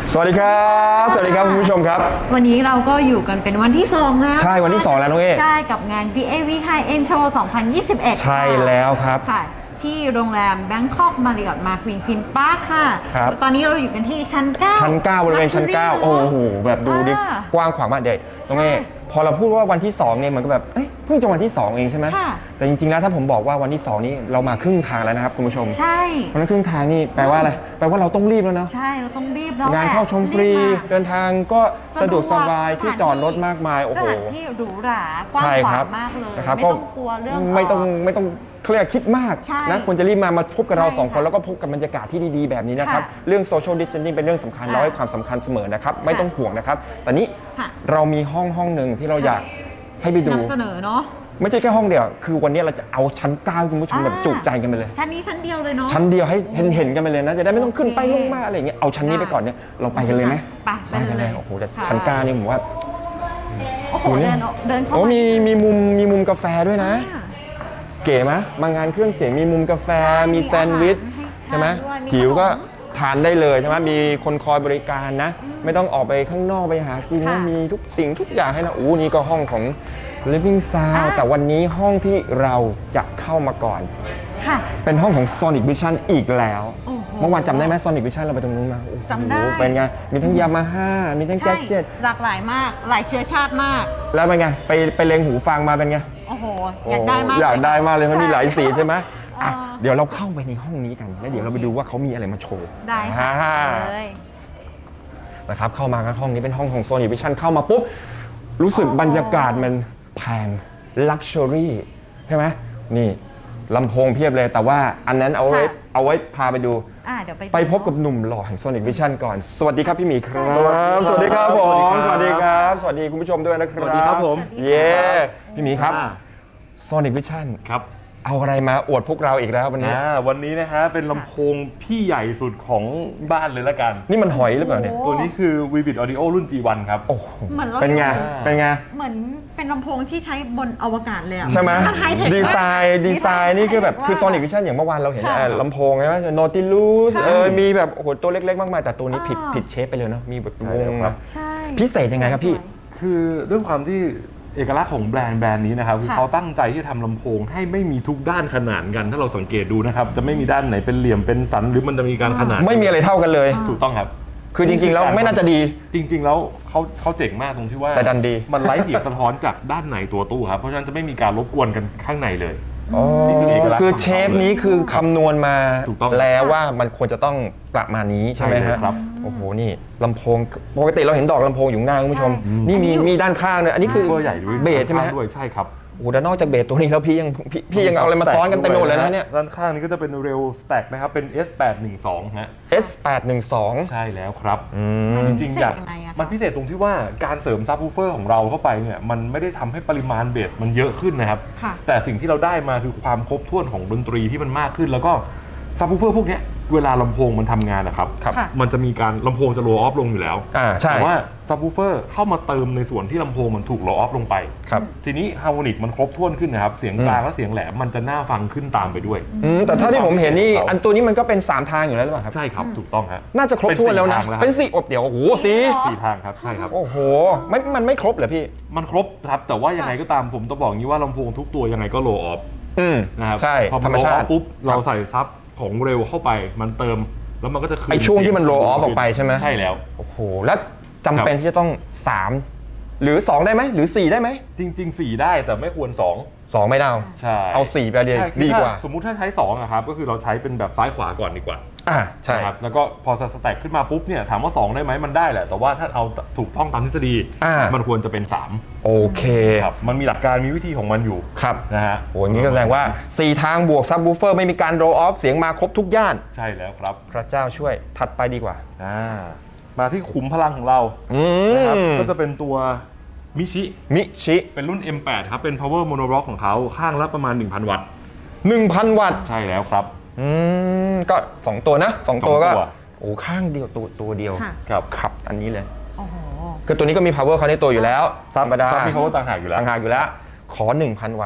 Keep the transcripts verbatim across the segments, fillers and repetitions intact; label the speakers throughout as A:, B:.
A: สวัสดีครับสวัสดีครับคุณผู้ชมครับ
B: วันนี้เราก็อยู่กันเป็นวันที่สองนะ
A: ใช่วันที่สองแล้วน้องเอ
B: ใช่กับงาน บี เอ วี High End Show สองพันยี่สิบเอ็ด
A: ใช่แล้วครับ
B: ค่ะที่โรงแรม Bangkok Marriott Marquis Queen Park ค่ะ
A: ครับ
B: ตอนนี้เราอยู่กันที่ชั้นเก้า
A: ชั้นเก้าบริเวณชั้นเก้าโอ้โหแบบดูดิกว้างขวางมากเด็กน้องเอพอเราพูดว่าวันที่สองเนี่ยมันก็แบบเอ้ยเพิ่งจะวันที่สองเองใช่ไหมแต่จริงๆแล้วถ้าผมบอกว่าวันที่สองนี้เรามาครึ่งทางแล้วนะครับคุณผู้ชม
B: ใช่
A: เพราะนั้นครึ่งทางนี่แปลว่าอะไรแปลว่าเราต้องรีบแล้วเนาะ
B: ใช่เราต้องรีบแล้ว
A: งานเข้าชมฟรีเดินทางก็สะดวกสบายที่จอดรถมากมายโอ้โห
B: สถานที่หรูหรากว้างขวางมากเลยไม่ต้องกลัวเรื่อง
A: ไม่ต้องไม่ต้องเครียดคิดมากนะควรจะรีบมามาพบกับเราสองคนแล้วก็พบกับบรรยากาศที่ดีๆแบบนี้นะครับเรื่อง social distancing เป็นเรื่องสำคัญเราให้ความสำคัญเสมอนะครับไม่ต้องห่วงนะครับตอนนี้เรามีห้องห้องหนึ่งที่เราอยากให้ไปดู
B: นำเสนอเนาะ
A: ไม่ใช่แค่ห้องเดียวคือวันนี้เราจะเอาชั้นเก้าคุณผู้ชมแบบจุใจกันไปเลย
B: ชั้นนี้ชั้นเดียวเลยเนาะ
A: ชั้นเดียวให้เห็นเห็นกันไปเลยนะจะได้ไม่ต้องขึ้นไปลงมาอะไรอย่างเงี้ยเอาชั้นนี้ไปก่อนเนี่ยเราไปกันเลยไหม
B: ไปไป
A: กันเลยโอ้โหแต่ชั้นเก้านี่ผมว่า
B: โอ้โหเดินเดินเข้ามา
A: มีมีมุมมีมุมกาแฟด้วยนะเก๋ไหมบางงานเครื่องเสียงมีมุมกาแฟมีแซนด์วิชใช่ไหมหิวก็ทานได้เลยใช่ไหมมีคนคอยบริการนะไม่ต้องออกไปข้างนอกไปหากินนะมีทุกสิ่งทุกอย่างให้นะอู้นี่ก็ห้องของ Living Sound แต่วันนี้ห้องที่เราจะเข้ามาก่อนเป็นห้องของ Sonic Vision อีกแล้วเมื่อวานจำได้ไหม Sonic Vision เราไปตรงนู้นมา
B: จำได้
A: เป็นไงมีทั้งยามาฮ่ามีทั้งแจ็คเก็ต
B: หลากหลายมากหลายเชื้อชาติมาก
A: แล้วเป็นไงไปไปเลงหูฟังมาเป็นไง
B: โอ้โหอยากได้มาก
A: อยากได้มากเลยมันมีหลายสีใช่ไหมเดี๋ยวเราเข้าไปในห้องนี้กันแล้วเดี๋ยวเราไปดูว่าเขามีอะไรมาโชว์
B: ได้ค่ะเลย
A: นะครับเข้ามากันห้องนี้เป็นห้องของ Sony Vision เข้ามาปุ๊บรู้สึกบรรยากาศมันแพง Luxury ใช่ไหมนี่ลำโพงเพียบเลยแต่ว่าอันนั้นเอาไว้เอาไว้พาไปดูไปพบกับหนุ่มหล่อแห่ง Sonic Vision ก่อนสวัสดีครับพี่หมีครับสวัสดีครับผมสวัสดีครับสวัสดีคุณผู้ชมด้วยนะครับ
C: สวัสดีครับผม
A: เย้พี่หมีครับ Sonic Vision
C: ครับ
A: เอาอะไรมาอวดพวกเราอีกแล้ววันนี้
C: วันนี้นะฮะเป็นลำโพงพี่ใหญ่สุดของบ้านเลยละกัน
A: นี่มันหอยหรือเปล่าเนี่ย
C: ตัวนี้คือ Vivid Audio รุ่น จี วัน ครับ
A: โอ้เป็นไงเป็นไง
B: เหมือนเป็นลำโพงที่ใช้บนอวกาศเลย
A: ใช่ไหมดีไซน์ดีไซน์นี่คือแบบคือ Sonic Vision อย่างเมื่อวานเราเห็นลำโพงใช่ไหม Nautilus เออมีแบบโอ้โหตัวเล็กๆมากมายแต่ตัวนี้ผิดผิดเชฟไปเลยเนาะมีแบบวงนะพิเศษยังไงครับพี่
C: คือด้วยความที่เอกลักษณ์ของแบรนด์แบรนด์นี้นะครับคือเขาตั้งใจที่จะทำลำโพงให้ไม่มีทุกด้านขนานกันถ้าเราสังเกตดูนะครับจะไม่มีด้านไหนเป็นเหลี่ยมเป็นสันหรือมันจะมีการขนาน
A: ไม่มีอะไรเท่ากันเลย
C: ถูกต้องครับ
A: คือจริงๆแล้วไม่น่าจะดี
C: จริงๆแล้วเขาเขาเจ๋งมากตรงที่ว่า
A: แต่ดันดี
C: มันไร้เสียงสะท้อนจากด้านไหนตัวตู้ครับเพราะฉะนั้นจะไม่มีการรบกวนกันข้างในเลย
A: คือเชฟนี้คือคำนวณมาแล้วว่ามันควรจะต้องประมาณนี้ใช่ไหมครับโอ้โหนี่ลำโพงปกติเราเห็นดอกลำโพงอยู่หน้าคุณผู้ชมนี่มีมีด้านข้างเลยอันนี้คือเบสใช่ไหม
C: ด้วยใช่ครับ
A: โอ้โหแต่นอกจากเบสตัวนี้แล้วพี่ยังพี่ยังเอาอะไรมาซ้อนกันเต็มไปหมดเลยนะเนี่ย
C: ด้านข้างนี้ก็จะเป็นเรลสแต็กนะครับเป็น เอส แปดหนึ่งสอง ฮะ
A: เอส แปดหนึ่งสอง
C: ใช่แล้วครับจริงๆอยากมันพิเศษตรงที่ว่าการเสริมซับวูฟเฟอร์ของเราเข้าไปเนี่ยมันไม่ได้ทำให้ปริมาณเบสมันเยอะขึ้นนะครับแต่สิ่งที่เราได้มาคือความครบถ้วนของดนตรีที่มันมากขึ้นแล้วก็ซับวูฟเฟอร์พวกนี้เวลาลำโพงมันทำงานนะครับมันจะมีการลำโพงจะโลออฟลงอยู่แล้วแต่ว่าซับวูฟเฟอร์เข้ามาเติมในส่วนที่ลำโพงมันถูกโลออฟลงไปทีนี้ฮาร์โมนิกมันครบถ้วนขึ้นนะครับเสียงกลางและเสียงแหลมมันจะน่าฟังขึ้นตามไปด้วย
A: แต่ถ้าที่ผมเห็นนี่อันตัวนี้มันก็เป็นสามทางอยู่แล้วหรือเปล่าครับ
C: ใช่ครับถูกต้องครับ
A: น่าจะครบถ้วนแล้วนะเป็นสี่อบเดี๋ยวโอ้โหสี่
C: สี่ทางครับใช่ครับ
A: โอ้โหไม่มันไม่ครบเหรอพี่
C: มันครบครับแต่ว่ายังไงก็ตามผมต้องบอกงี้ว่าลำโพงทุกตัวยังไงก็โลออฟนะครับ
A: ใช่
C: ธรรมชาติปุ๊บเราใส่ซับของเร็วเข้าไปมันเติมแล้วมันก็จะคืน
A: ไอช่วงที่มันโลออฟออกไปใช่ไหม
C: ใช่แล้ว
A: โอ้โหแล้วจำเป็นที่จะต้องสามหรือสองได้ไหมหรือสี่ได้ไหม
C: จริงๆสี่ได้แต่ไม่ควรสอง
A: สองไม่ได้
C: ใช่
A: เอาสี่ไปเลยดีกว่า
C: สมมุติถ้าใช้สองอะครับก็คือเราใช้เป็นแบบซ้ายขวาก่อนดีกว่า
A: อ่าใช่
C: ครับแล้วก็พอสแต็กขึ้นมาปุ๊บเนี่ยถามว่าสองได้ไหมมันได้แหละแต่ว่าถ้าเอาถูกต้องตามทฤษฎีมันควรจะเป็นสาม
A: โอเค
C: ครับมันมีหลักการมีวิธีของมันอยู่
A: ครับ
C: นะฮะ
A: โอ้ยงี้ก็แสดงว่าสี่ทางบวกซับวูฟเฟอร์ไม่มีการโรออฟเสียงมาครบทุกย่าน
C: ใช่แล้วครับ
A: พระเจ้าช่วยถัดไปดีกว่า
C: อ่ามาที่ขุมพลังของเรานะครับก็จะเป็นตัวมิชิ
A: มิชิ
C: เป็นรุ่น เอ็ม แปด ครับเป็น power monoblock ของเขาข้างละประมาณ หนึ่งพัน วัตต์
A: หนึ่งพัน วัตต์
C: ใช่แล้วครับ
A: อืมก็สองตัวนะสองตัวก็โอ้ข้างเดียวตัวตัวเดียว
C: ครับ
A: ขับอันนี้เลยโอ้โหคือตัวนี้ก็มี power เขาในตัวอยู่แล้วธรรมดา
C: มี power ต่างหากอยู่แล้ว
A: ต่างหากอยู่แล้วขอ หนึ่งพัน วัตต์
C: ใ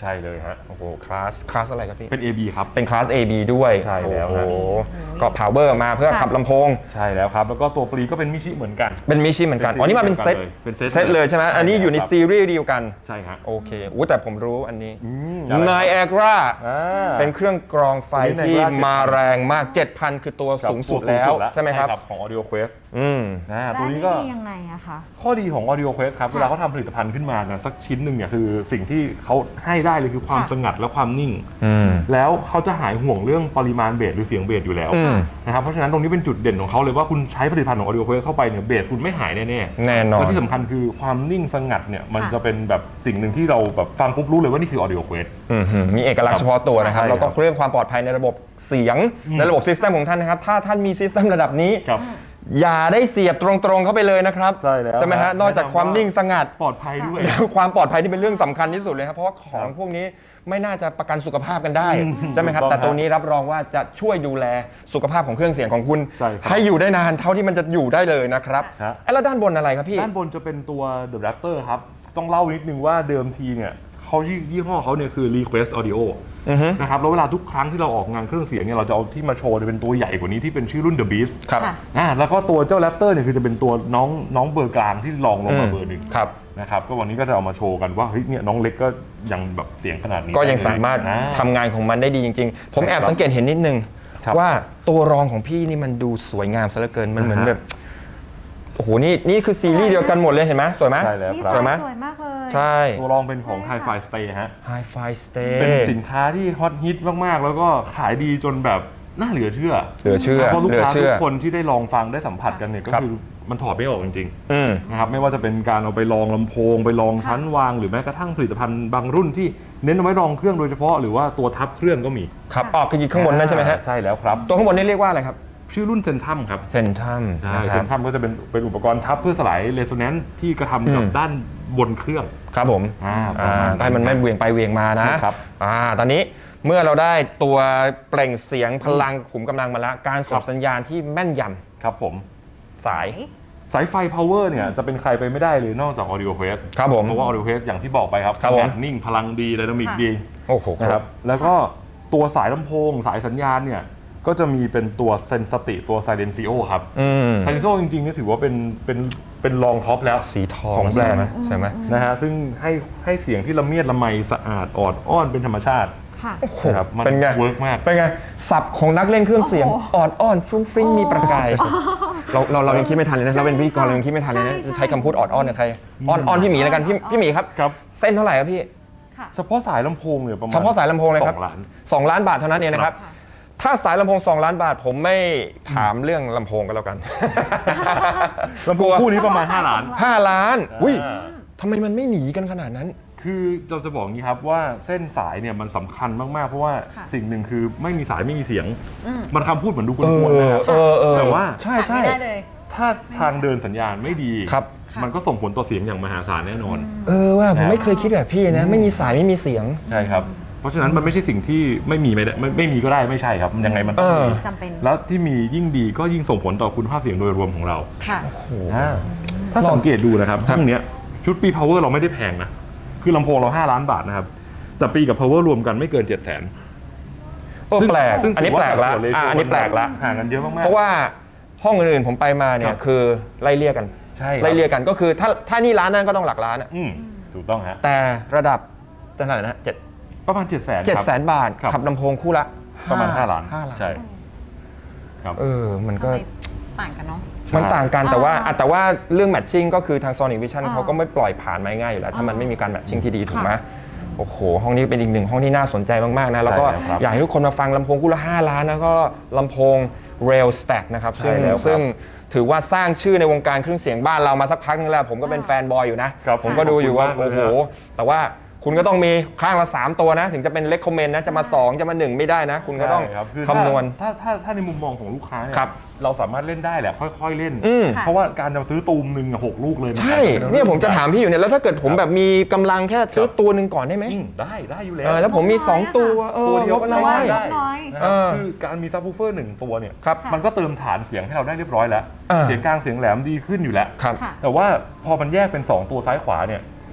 C: ช่เลยฮะ
A: โอ้โหคลาสคลาสอะไรครับพี่
C: เป็น เอ บี ครับ
A: เป็นคลาส เอ บี ด้วย
C: ใช่แล้ว
A: โอ้
C: ฮะ
A: โหก็ power มาเพื่อขับลำโพง
C: ใช่แล้วครับแล้วก็ตัวปลีก็เป็นมิชิเหมือนกัน
A: เป็นมิชิเหมือนกัน
C: เป็น
A: อ๋อนี่มาเป็นเซต
C: เป็นเซต
A: เซตเลยใช่ไหม
C: ใช่
A: อันนี้อยู่ใน
C: ครับ
A: ซีรีส์เดียวกัน
C: ใช่ฮะ
A: โอเคอู้แต่ผมรู้อันนี้
C: ม
A: นายแอ r รา
C: อ่า
A: เป็นเครื่องกรองไฟ
C: ตัวนี้
A: ที่
C: Niagara
A: มาแรงมาก เจ็ดพัน คือตัวสูงสุดแล้วใช่ไหมครับ
C: ของ Audio Quest
A: อืม
C: นะ
B: แล้ว
C: ตัว
B: อัน
C: นี้
B: นี้
C: ก็
B: ดียังไงอะคะ
C: ข้อดีของ Audio Quest ครับ
B: ค่ะ
C: เวลาเขาทำผลิตภัณฑ์ขึ้นมาเนี่ยสักชิ้นหนึ่งเนี่ยคือสิ่งที่เขาให้ได้เลยคือความ
B: ค่ะ
C: สงัดและความนิ่ง
A: อืม
C: แล้วเขาจะหายห่วงเรื่องปริมาณเบสหรือเสียงเบสอยู่แล้ว
A: อืม
C: นะครับเพราะฉะนั้นตรงนี้เป็นจุดเด่นของเขาเลยว่าคุณใช้ผลิตภัณฑ์ของ Audio Quest เข้าไปเนี่ยเบสคุณไม่หายแน่ๆ
A: แน่นอน
C: และที่สำคัญคือความนิ่งสงัดเนี่ยมัน
B: ค่ะ
C: จะเป็นแบบสิ่งหนึ่งที่เราแบบฟังปุ๊บรู้เลยว่านี่คือ Audio Quest
A: อืมหืมมีเอกลักษณ์เฉพาะตัวนะครับ
C: ใช่ครับ
A: แล้วก็เรื่องความปลอดภัยในระบบเสียง
C: อืม
A: ในระบบซิสเต็มของท่านนะครับ ถ้าท่านมีซิสเต็มระดับนี้
C: ครับ
A: อย่าได้เสียบตรงๆเข้าไปเลยนะครับ
C: ใช่แล้ว
A: ใช่ไหมฮะ
C: ครับ
A: นอกจากความนิ่งสงัด
C: ปลอดภัยด้วย
A: แล้วความปลอดภัยที่เป็นเรื่องสำคัญที่สุดเลยครับเพราะว่าของ
C: ครับ
A: พวกนี้ไม่น่าจะประกันสุขภาพกันได้
C: อืม
A: ใช่ไหมครับ
C: ถูกต้อง
A: แต่ตัวนี้รับรองว่าจะช่วยดูแลสุขภาพของเครื่องเสียงของคุณ
C: ใช่ครับ
A: ให้อยู่ได้นานเท่าที่มันจะอยู่ได้เลยนะครับ
C: ฮะ
A: เอ้แล้วด้านบนอะไรครับพี่
C: ด้านบนจะเป็นตัว The Raptor ครับ ต้องเล่านิดนึงว่าเดิมทีเนี่ยเขายี่ห้อเขาเนี่ยคือ Request Audio
A: อือฮึ
C: นะครับแล้วเวลาทุกครั้งที่เราออกงานเครื่องเสียงเนี่ยเราจะเอาที่มาโชว์เนี่ยเป็นตัวใหญ่กว่านี้ที่เป็นชื่อรุ่น The Beast
A: ครับ
B: ค่ะ
C: อ่าแล้วก็ตัวเจ้า Raptor เนี่ยคือจะเป็นตัวน้องน้องเบอร์กลางที่รองลงมาเบอร์หนึ่ง
A: ครับ
C: นะครับก็วันนี้ก็จะเอามาโชว์กันว่าเฮ้ยเนี่ยน้องเล็กก็ยังแบบเสียงขนาดนี้
A: ก็ยังสามารถ
C: นะ
A: ทำงานของมันได้ดีจริงๆ ผมแอบ
C: ครับ
A: สังเกตเห็นนิดนึง
C: ครับ
A: ว่าตัวรองของพี่นี่มันดูสวยงามซะเหลือเกินมันเหมือน
C: อ่าฮะ
A: แบบโอ้โหนี่นี่คือซีรีส์เดียวกันหมดเลยเห็นไหมสวยไหม
C: ใช่แล้ว
B: นี่
C: ครับ
A: สวยไหม
B: สวยมากเลย
A: ใช่
C: ตัวรองเป็นของ Hi-Fi Stay ฮะ
A: Hi-Fi Stay
C: เป็นสินค้าที่ฮอตฮิตมากๆ แล้วก็ขายดีจนแบบน่าเหลือเชื่อ
A: เหลือเชื่อ
C: เพราะลูก
A: เหลือ
C: ค้าทุ
A: เชื่
C: ก
A: อ
C: คนที่ได้ลองฟังได้สัมผัสกันเนี่ยก็
A: ครับ
C: คือมันถอดไม่ออกจริง
A: อืม
C: ๆนะครับไม่ว่าจะเป็นการเอาไปลองลำโพง ไปลองชั้นวาง หรือแม้กระทั่งผลิตภัณฑ์บางรุ่นที่เน้นเอาไว้รองเครื่องโดยเฉพาะหรือว่าตัวทับเครื่องก็มี
A: ครับออกคือข้างบนนั่นใช่ไหมฮะ
C: ใช่แล้วครับ
A: ตัวข้างบนนี่เรียกว่าอะไรครับ
C: ชื่อรุ่นเซนทัมครับ
A: เซนทัม
C: ใช่
A: นะค
C: เซ
A: รับ
C: นทัมก็จะเป็นเป็นอุปกรณ์ทับเพื่อสลายเรโซแนนซ์ที่กระทำกับ
A: อืม
C: ด้านบนเครื่อง
A: ครับผม
C: อ่าป
A: อ่า
C: ระมาณ
A: ให้มันไม่เหวี่ยงไปเหวี่ยงมานะ
C: ใช่ครับ
A: อ่าตอนนี้เมื่อเราได้ตัวเปล่งเสียงพลังขุมกำลังมาแล้วการส่งสัญญาณที่แม่นย
C: ครับผม
A: ำสาย
C: สายไฟ power เนี่ยจะเป็นใครไปไม่ได้เลยนอกจาก Audio Quest
A: ครับผม
C: เพราะว่า Audio Quest อย่างที่บอกไปครับ
A: ครับผม
C: สงัดนิ่งพลังดีไดนามิก
B: ค่ะ
C: ดี
A: โอ้โห
C: นะครับแล้วก็ตัวสายลำโพงสายสัญญาณเนี่ยก็จะมีเป็นตัวเซนสติตัว Silencio ครับ
A: อืม
C: Silencio จริงๆเนี่ยถือว่าเป็นเป็นเป็นรองท็อปแล้ว
A: สีทอง
C: ของแบรนด์
A: ใช่ไหมใช่ไหม
C: นะฮะซึ่งให้ให้เสียงที่ละเมียดละไมสะอาดออดอ้อนเป็นธรรมชาติ
B: ค่ะ
A: โอ้โห
C: นะครับมัน
A: เป็นไง
C: เวิร์กมาก
A: เป็นไงสับของนักเล่นเครื่องเสียง
B: โอ้โห
A: ออดอ้อนฟุ้งฟริ้งมีประกายเราเราเรายังคิดไม่ทันเลยนะ
B: ใช่
A: เราเป็นพิธีกรเรายังคิดไม่ทันเลยนะ
B: ใช่
A: จะใช้คำพูดออดอ้อนกับใครอ้อนอ้อนพี่หมีแล้วกันพี่พี่หมีครับ
C: ครับ
A: เส้นเท่าไหร่ครับพี่
B: ค่ะ
C: เฉพาะสายลำโพงเนี่ยประมาณ
A: เฉพาะสายลำโพงเลยครับ
C: สองล้าน
A: สองล้านบาทเท่านั้นเองนะครับ
B: ค่ะ
A: ถ้าสายลำโพงสองล้านบาทผมไม่ถามเรื่องลำโพงกันแล้วกัน
C: ลำโพงคู่นี้ประมาณห้าล้าน
A: ห้าล้านอุ้ย
C: อ่า
A: ทำไมมันไม่หนีกันขนาดนั้น
C: คือเราจะบอกงี้ครับว่าเส้นสายเนี่ยมันสำคัญมากๆ เพราะว่า
B: ค่ะ
C: สิ่งหนึ่งคือไม่มีสายไม่มีเสียง
B: อืม
C: มันคำพูดเหมือนดูก
A: เอ
C: วนๆนะครับ
A: อเออเออ
C: แต่ว่า
A: ใช่ใช่
B: ไม่ได้เลย
C: ถ้าทางเดินสัญญาณไม่ดี
A: ครับ
C: มันก็ส่งผลต่อเสียงอย่างมหาศาลแน่นอน
A: เออว่าผมไม่เคยคิดแบบพี่นะ ไม่มีสายไม่มีเสียง
C: ใช่ครับ เพราะฉะนั้นมันไม่ใช่สิ่งที่ไม่มีไม่ได้ไม่ไม่มีก็ได้ไม่ใช่ครับยังไงมันต้อง
A: เออ
C: มี
B: จำเป็น
C: แล้วที่มียิ่งดีก็ยิ่งส่งผลต่อคุณภาพเสียงโดยรวมของเรา
B: ค่ะ
C: อ่าถ้าสังเกตดูนะครับ
A: ครับ
C: ห้องเนี้ยชุดปี power เราไม่ได้แพงนะ คือลำโพงเราห้าล้านบาทนะครับ แต่ปีกับ power รวมกันไม่เกิน เจ็ดแสน
A: โอ้แปลก
C: ซึ่ง
A: อันนี้แปลกละ
C: ถืว่าสัดส่วน ratio
A: อ่ะอันนี้แปลกละ
C: ห่างกันเยอะมากๆ
A: เพราะว่าห้องอื่นๆผมไปมาเนี่
C: ครั
A: ย
C: บ
A: คือไล่เลี่ยกัน
C: ใช่ครับ
A: ไล่เลี่ยกันก็คือถ้าถ้านี่ร้านนั้นก็ต้องหลักล้านอะ
C: อืมถูกต้องฮะ
A: แต่ระดับจะเท่าไหร่นะเจ็ด
C: ประมาณ 7 0 0 0 0 0
A: เจ็ดแสนบาท
C: ครับ
A: ขับลำโพงคู่ละ
C: ประมาณ 5 ล้าน
A: ห้าล้าน
C: ใช่ครับ
A: เออมันก็
B: ทำไมต่างกันเนาะ
A: มันต่างกันแต่ว่า
B: อ่า
A: อ่ะแต่ว่าเรื่องแมทชิ่งก็คือทาง Sonic Vision
B: อ่า
A: เขาก็ไม่ปล่อยผ่านมาง่ายอยู่แล้ว ถ้ามัน
B: อ่า
A: ไม่มีการแมทชิ่งที่ดีถูกไหม
B: ค่ะ
A: โอ้โห ห้องนี้เป็นอีกหนึ่งห้องที่น่าสนใจมาก ๆ นะ แล้วก็
C: ใช่แล้วครับ
A: อยากให้ทุกคนมาฟังลำโพงคู่ละห้าล้านนะก็ลำโพง Rail Stack นะครับ
C: ใช่
A: ซึ่ง
C: แล้วครับ
A: ซึ่งถือว่าสร้างชื่อในวงการเครื่องเสียงบ้านเรามาสักพักนึงแล้ว ผมก็เป็นแฟนบอยอยู่นะ
C: ครับ
A: ผมก็ดูอยู่ว่า
C: ขอบคุณมากเลย
A: โอ้โห
C: ฮะ
A: แต่ว่าคุณก็ต้องมีข้างละสามตัวนะ ถึงจะเป็น recommend นะจะมาสองจะมาหนึ่งไม่ได้นะ คุณก็ต้อง
C: ใช่รับอ
A: คำนวณ
C: ถ้าถ้าถ้าในมุมมองของลูกค้าเนี่ย
A: ครับ
C: เราสามารถเล่นได้แหละค่อยๆเล่น
A: อืม
C: เพราะว่าการจะซื้อตูมหนึ่งอะหกลูกเลยมั
A: ใช่
C: อาจจะ
A: เนี่ยผมจะถามพี่อยู่เนี่ยแล้วถ้าเกิดผม
C: ครับ
A: แบบมีกำลังแค่ซื้อ
C: ครับ
A: ตัวหนึ่งก่อนได้ไหม
C: อืมได้ได้อยู่แล้ว
A: เออแล้วผมมี สอง ตัวเออ
C: ตัวเดียว
A: งบ
C: ก็
A: น้
C: ใช้
A: อย
C: ได้
B: น้อย
C: นะค
A: เอ
C: รับ
A: อ
C: คือการมีซับวูเฟอร์หนึ่งตัวเนี่ย
A: ครับ
C: มันก็เติมฐานเสียงให้เราได้เรียบร้อยแล้ว
A: อ่า
C: เสียงกลางเสียงแหลมดีขึ้นอยู่แล้ว
A: ครับ
B: ค่ะ
C: แต่ว่าพอมันแยกเป็น สอง ตัวซ้ายขวาเนี่ย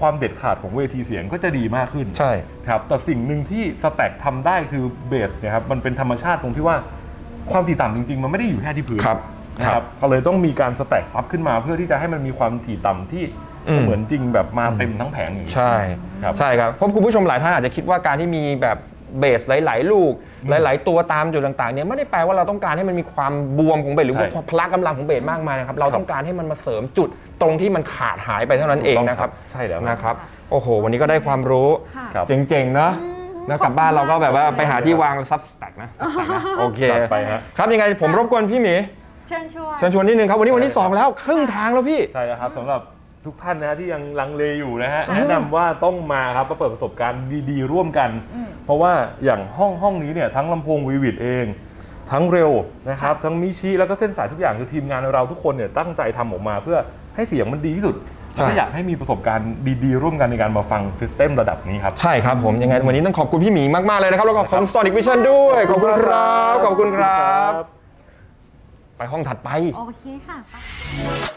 C: ความเด็ดขาดของเวทีเสียงก็จะดีมากขึ้น
A: ใช่
C: ครับแต่สิ่งหนึ่งที่สแต็กทำได้คือเบสเนี่ยครับมันเป็นธรรมชาติตรงที่ว่าความถี่ต่ำจริงๆ มันไม่ได้อยู่แค่ที่พื้น
A: ครับ
C: นะครับก็เลยต้องมีการสแต็กซับขึ้นมาเพื่อที่จะให้มันมีความถี่ต่ำที่
A: อืม
C: เสมือนจริงแบบมาเต็มทั้งแผงอย่างนี้
A: ใช่
C: ครับ
A: ใช่ครับเพราะคุณผู้ชมหลายท่านอาจจะคิดว่าการที่มีแบบเบสหลาย ๆ ลูก
C: อืม
A: หลาย ๆ ตัวตามจุดต่าง ๆ เนี่ยไม่ได้แปลว่าเราต้องการให้มันมีความบวมของเบสหรือว่า
C: ใช่
A: พละกำลังของเบสมากมายนะครับเรา
C: ครับ
A: ต้องการให้มันมาเสริมจุดตรงที่มันขาดหายไปเท่านั้นเองนะครับ
C: ใช่แล้ว
A: นะครับโอ้โหวันนี้ก็ได้ความรู้
B: ค่ะ
C: ครับ
A: เจ๋ง ๆ เนอะแล้วกลับบ้านเราก็แบบว่าไปหาที่วางซับสแต็กนะ Substack นะโอเค
C: จัดไปฮะ
A: ครับยังไงผมรบกวนพี่หมี
B: เชิญชวน
A: เชิญชวนนิดนึงครับวันนี้วันที่สองแล้วครึ่งทางแล้วพี่
C: ใช่แล้วครับสำหรับทุกท่านนะฮะที่ยังลังเลอยู่นะฮะแนะนำว่าต้องมาครับมาเปิดประสบการณ์ดีๆ ร่วมกัน
B: อืม
C: เพราะว่าอย่างห้องห้องนี้เนี่ยทั้งลำโพงวีวิดเอง ทั้งเร็วนะครับทั้งมิชิแล้วก็เส้นสายทุกอย่างคือทีมงานเราทุกคนเนี่ยตั้งใจทำออกมาเพื่อให้เสียงมันดีที่สุด
A: ใช่
C: แล้วก็อยากให้มีประสบการณ์ดีๆ ร่วมกันในการมาฟังซิสเต็มระดับนี้ครับ
A: ใช่ครับผมยังไงวันนี้ต้องขอบคุณพี่หมีมาก ๆ เลยนะครับ แล้วก็ขอบคุณ Sonic Vision ด้วย ขอบคุณครับ ขอบคุณครับ ไปห้องถัดไป
B: โอเคค่ะ